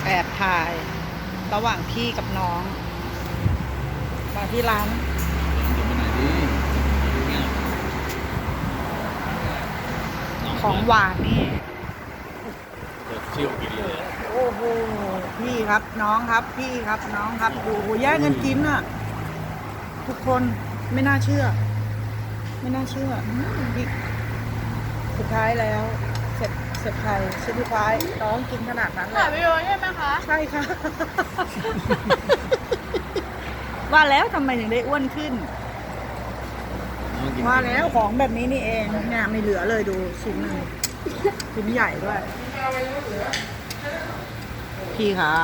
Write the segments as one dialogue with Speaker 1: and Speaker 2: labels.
Speaker 1: แอบถ่ายระหว่างพี่กับน้องมาที่ร้าน
Speaker 2: จะไปไหนดิเนี่ย
Speaker 1: ของหวานนี่
Speaker 2: เดี๋ยวชิวกินเลย
Speaker 1: โอ้โหพี่ครับน้องครับพี่ครับน้องครับดูแย่งกันกินอ่ะ ทุกคนไม่น่าเชื่อ ไม่น่าเชื่อพี่สุดท้ายแล้วเสร็จใครชิ้นสุดท้ายน้องกินขนาดนั้นเล
Speaker 3: ถ่าย
Speaker 1: ย
Speaker 3: วิดีโอใช่ไหมคะ
Speaker 1: ใช่ค่ะ ว่าแล้วทำไมถึงได้อ้วนขึ้น ว่าแล้วของแบบนี้นี่เองเนี่ยไม่เหลือเลยดูชิ้นหนึ่งชิ้นใหญ่ด้วย พี่ครับ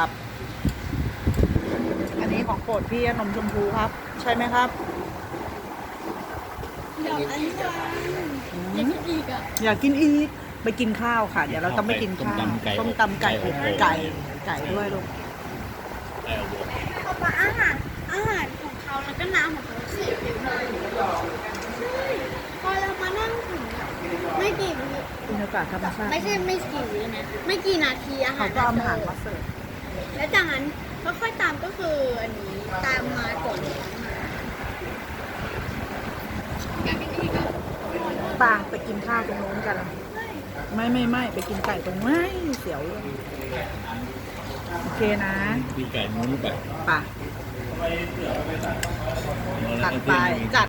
Speaker 1: อันนี้ของโปรดพี่นมชมพูครับ ใช่ไหมครับ
Speaker 3: เดี๋ยวอันนี้ว่าอยากกินอีกอ่ะ
Speaker 1: อยากกินอีกไปกินข้าวค่ะ เดี๋ยวเราต้องไปกินข้าวต้มตำไก่อบไก่ด้วยลูก
Speaker 3: เขามาอาหารของเขาแล้วก็น้ำของเขาเสียไปหมดพอเรามานั่งถึงไม่กี่วิ
Speaker 1: บรรยากาศธรรมชาติ
Speaker 3: ไม่กี่วินะไม่กี่นาทีอาหา
Speaker 1: เขา
Speaker 3: ร
Speaker 1: ก็เอาอาหารมาเสิร์ฟ
Speaker 3: แล้วจากนั้นก็ค่อยตามก็คืออันนี้ตามมาก่อนอยากกินอีกอ่ะ
Speaker 1: ปางไปกินข้าวตรงโน้นกัน ไม่ไปกินไก่ตรงไม่เสียวเลยโอเคนะ
Speaker 2: ตีไก่มุ้นไป
Speaker 1: ไป่ะตัดไปจัด